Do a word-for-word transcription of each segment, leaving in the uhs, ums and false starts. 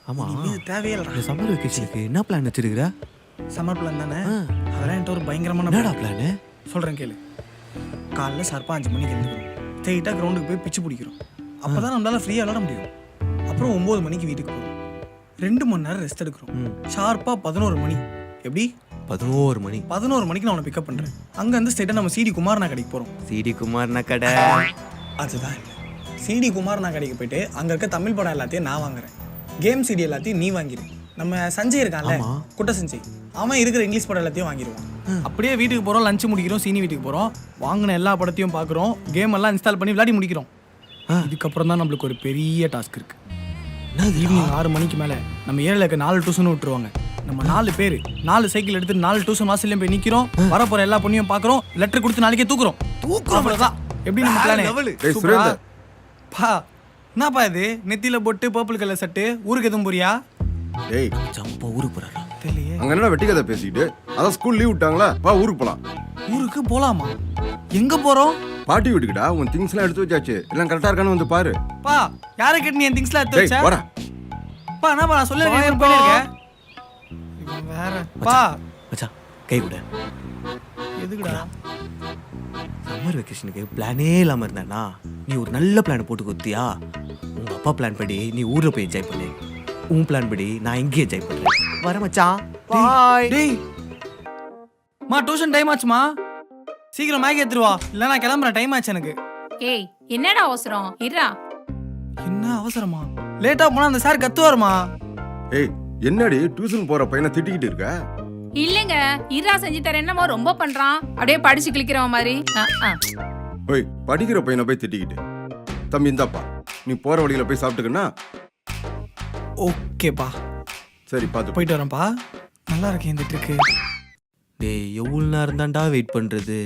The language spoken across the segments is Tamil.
ஆமா இது தேவையில்லை. இந்த சம்மர் வெக்கேஷனுக்கு என்ன பிளான் வச்சிருக்கிற? சம்மர் பிளான் தானே, அதெல்லாம் என்கிட்ட ஒரு பயங்கரமான என்னடா பிளானு? சொல்கிறேன் கேளு. காலைல ஷார்ப்பாக அஞ்சு மணிக்கு எழுந்துக்கிறோம், ஸ்ட்ரெயிட்டாக கிரவுண்டுக்கு போய் பிச்சு பிடிக்கிறோம். அப்போ தான் நம்மளால ஃப்ரீயாக விளாட முடியும். அப்புறம் ஒம்பது மணிக்கு வீட்டுக்கு போகிறோம், ரெண்டு மணி நேரம் ரெஸ்ட் எடுக்கிறோம். ஷார்ப்பாக பதினோரு மணி எப்படி பதினோரு மணி பதினோரு மணிக்கு நான் உன்னை பிக்கப் பண்ணுறேன். அங்கேருந்து ஸ்ட்ரெயிட்டாக நம்ம சிடி குமார்னா கடைக்கு போகிறோம். சிடி குமார்னா கடை அதுதான் இல்லை, சிடி குமார்னா கடைக்கு போயிட்டு அங்கே இருக்க தமிழ் படம் எல்லாத்தையும் நான் வாங்குறேன், கேம் சிடி எல்லாத்தையும் நீ வாங்கிடு. நம்ம சஞ்சய் இருக்கான்ல, குட்ட சஞ்சய், அவன் இருக்கிற இங்கிலீஷ் படம் எல்லாத்தையும் வாங்கிடுவான். அப்படியே வீட்டுக்கு போகிறோம், லஞ்சு முடிக்கிறோம், சீனி வீட்டுக்கு போகிறோம், வாங்கின எல்லா படத்தையும் பார்க்குறோம், கேம் எல்லாம் இன்ஸ்டால் பண்ணி விளையாடி முடிக்கிறோம். இதுக்கப்புறம் தான் நம்மளுக்கு ஒரு பெரிய டாஸ்க் இருக்கு. ஈவினிங் ஆறு மணிக்கு மேலே நம்ம ஏரியாவில் இருக்க நாலு டியூஷன் விட்டுருவாங்க. நம்ம நாலு பேர் நாலு சைக்கிள் எடுத்து நாலு டியூஷன் வாசல்லையும் போய் நிற்கிறோம், வரப்போற எல்லா பொண்ணையும் பார்க்குறோம், லெட்டர் கொடுத்து நாளைக்கே தூக்குறோம். தூக்குறோம் தான் எப்படி நம்ம பிளான். பா என்னப்பா இது, நெத்தியில போட்டு பர்பிள் கலர் சட்டு, ஊருக்கு எதுவும் போறியா? டேய் ஜம்பா ஊருக்கு போறாரா? தெரியலையே. அங்க என்ன வெட்டி கதை பேசிக்கிட்டு, அதான் ஸ்கூல் லீவ் விட்டாங்களா, வா ஊருக்கு போலாம். ஊருக்கு போலாமா? எங்க போறோம்? பாட்டி வீட்டுக்குடா, உன் திங்ஸ் எல்லாம் எடுத்து வச்சாச்சு, எல்லாம் கரெக்டா இருக்கான்னு வந்து பாரு. பா யாரை கேட்டு நீ என் திங்ஸ்லாம் எடுத்து டேய் வச்ச? போடா. பா என்னப்பா நான் சொல்ல போயிருக்கேன். இவன் வேற. பா மச்சான் கை விட. எதுக்குடா? சம்மர் வெக்கேஷனுக்கு பிளானே இல்லாம இருந்தானா நீ ஒரு நல்ல பிளான் போட்டு கொடுத்தியா? உங்க அப்பா பிளான் படி நீ ஊர்ல போய் என்ஜாய் பண்ணு, உன் பிளான் படி நான் இங்கே என்ஜாய் பண்றேன். வர மச்சான் பாய். டேய் மா டியூஷன் டைம் ஆச்சுமா, சீக்கிரம் மேகி எடுத்துட்டு வா, இல்ல நான் கிளம்புறேன், டைம் ஆச்சு எனக்கு. ஏய் என்னடா அவசரம், இருடா. என்ன அவசரமா? லேட்டா போனா அந்த சார் கத்துவாருமா. ஏய் என்னடி டியூஷன் போற பையனை திட்டிக்கிட்டு இருக்க? இல்லங்க, இருடா செஞ்சு தரேன், என்னமோ ரொம்ப பண்றான், அப்படியே படிச்சு கிளிக்கிறவன் மாதிரி. ஓய் படிக்கிற பையனை போய் திட்டிக்கிட்டு. தம்பி இந்தாப்பா, நீ போற வழியில போய் சாப்பிட்டுக்கன்னா. ஓகேப்பா சரி பாத்து போயிட்டு வரேன்ப்பா. நல்லா இருக்கேன் இந்த ட்ரிக்கு. டேய் எவ்வளவு நேரம் தான்டா வெயிட் பண்றது?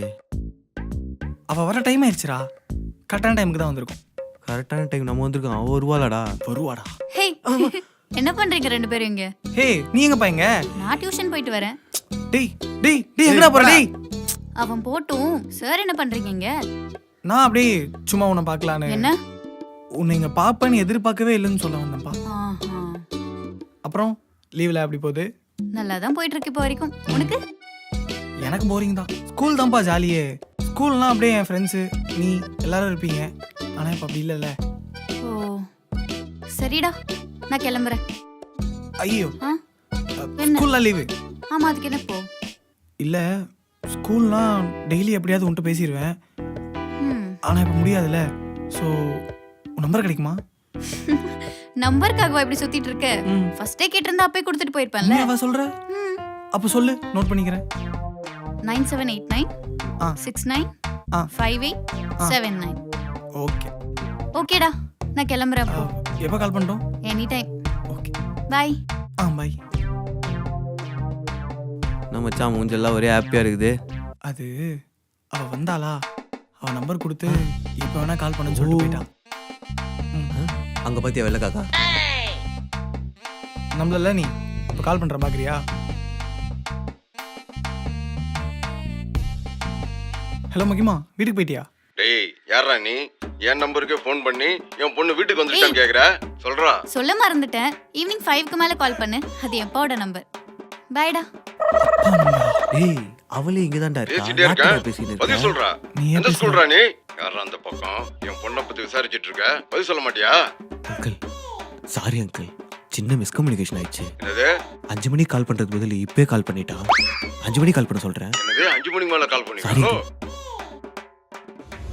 அவ வர டைம் ஆயிடுச்சுடா, கரெக்டான டைமுக்கு தான் வந்திருக்கும். கரெக்டான டைம் நம்ம வந்திருக்கோம், அவ வருவாளடா. வருவாடா. ஹே என்ன பண்றீங்க ரெண்டு பேரும் இங்க? ஹே நீ எங்க பையங்க? நான் டியூஷன் போயிட்டு வரேன். டேய் டேய் டேய் எங்கடா போற? டேய் அவன் போட்டும் சார் என்ன பண்றீங்க இங்க? நான் அப்படியே சும்மா உன்னை பார்க்கலான்னு. என்ன? உன்னை இங்க பாப்பேன்னு எதிர்பார்க்கவே இல்லைன்னு சொல்ல வந்தேன்ப்பா. ஆஹா. அப்புறம் லீவ்ல எப்படி போகுது? நல்லா தான் போயிட்டு இருக்கு இப்போ வரைக்கும். உனக்கு? எனக்கு போரிங் தான். ஸ்கூல் தான்ப்பா ஜாலியே. ஸ்கூல்னா அப்படியே என் ஃப்ரெண்ட்ஸு நீ எல்லாரும் இருப்பீங்க, ஆனால் இப்போ அப்படி இல்லைல்ல. ஓ சரிடா, நான் கிளம்புறேன். ஐயோ ஆ? என்ன? ஸ்கூல்லாம் லீவு? ஆமா அதுக்கு என்ன போ? இல்லை ஸ்கூல்னா டெய்லி எப்படியாவது உன்ட்டு பேசிடுவேன், ம் ஆனால் இப்போ முடியாதுல்ல. ஸோ உன் நம்பர் கிடைக்குமா? நம்பருக்காகவா இப்படி சுத்திட்டு இருக்க? ம். ஃபர்ஸ்டே கேட்டிருந்தா அப்பே கொடுத்துட்டு போயிருப்பேன்ல. நீ அவ சொல்ற? ம் அப்போ சொல்லு, நோட் பண்ணிக்கிறேன். நைன் செவன் எயிட் நைன் ஆ சிக்ஸ் நைன் ஆ five eight seven nine. Okay ஓகேடா, நான் கிளம்புறேன் அப்போ. எப்போ கால் பண்ணிட்டோம்? Any time. Okay bye. ஆ பாய். நம்ம மச்சான் மூஞ்செல்லாம் ஒரே ஹாப்பியா இருக்குது. அது அவ வந்தாளா, அவ நம்பர் கொடுத்து இப்போ வேணா கால் பண்ணுன்னு சொல்லிட்டு போயிட்டான். அங்க பாத்தியா வெள்ள காக்கா? நம்மள நீ இப்போ கால் பண்ற பாக்குறியா? ஹலோ மகிமா, வீட்டுக்கு போயிட்டியா? டேய் யாரா நீ? என் நம்பருக்கே ஃபோன் பண்ணி என் பொண்ணு வீட்டுக்கு வந்துட்டான்னு கேக்குற? சொல்றா. சொல்ல மறந்துட்டேன், ஈவினிங் ஃபைவ்க்கு மேல கால் பண்ணு, அது எப்பாவோட நம்பர். பாய்டா. டேய் அவளே இங்க தான்டா இருக்கா. பேசிட்டே இருக்கேன், யார்கிட்ட பேசிட்டு பதில் இருக்க? சொல்றா. நீ எந்த ஸ்கூல்ரா நீ? யாரா அந்த பக்கம் என் பொண்ணை பத்தி விசாரிச்சிட்டு இருக்க, பதில் சொல்ல மாட்டியா? அங்கிள் சாரி அங்கிள், சின்ன மிஸ்கம்யூனிகேஷன் ஆயிடுச்சு. என்னது அஞ்சு மணிக்கு கால் பண்றது பதில் இப்பே கால் பண்ணிட்டா. அஞ்சு மணிக்கு கால் பண்ண சொல்றேன். என்னது அஞ்சு மணிக்கு மேல கால் சாரி பண்ணிருக்கோ?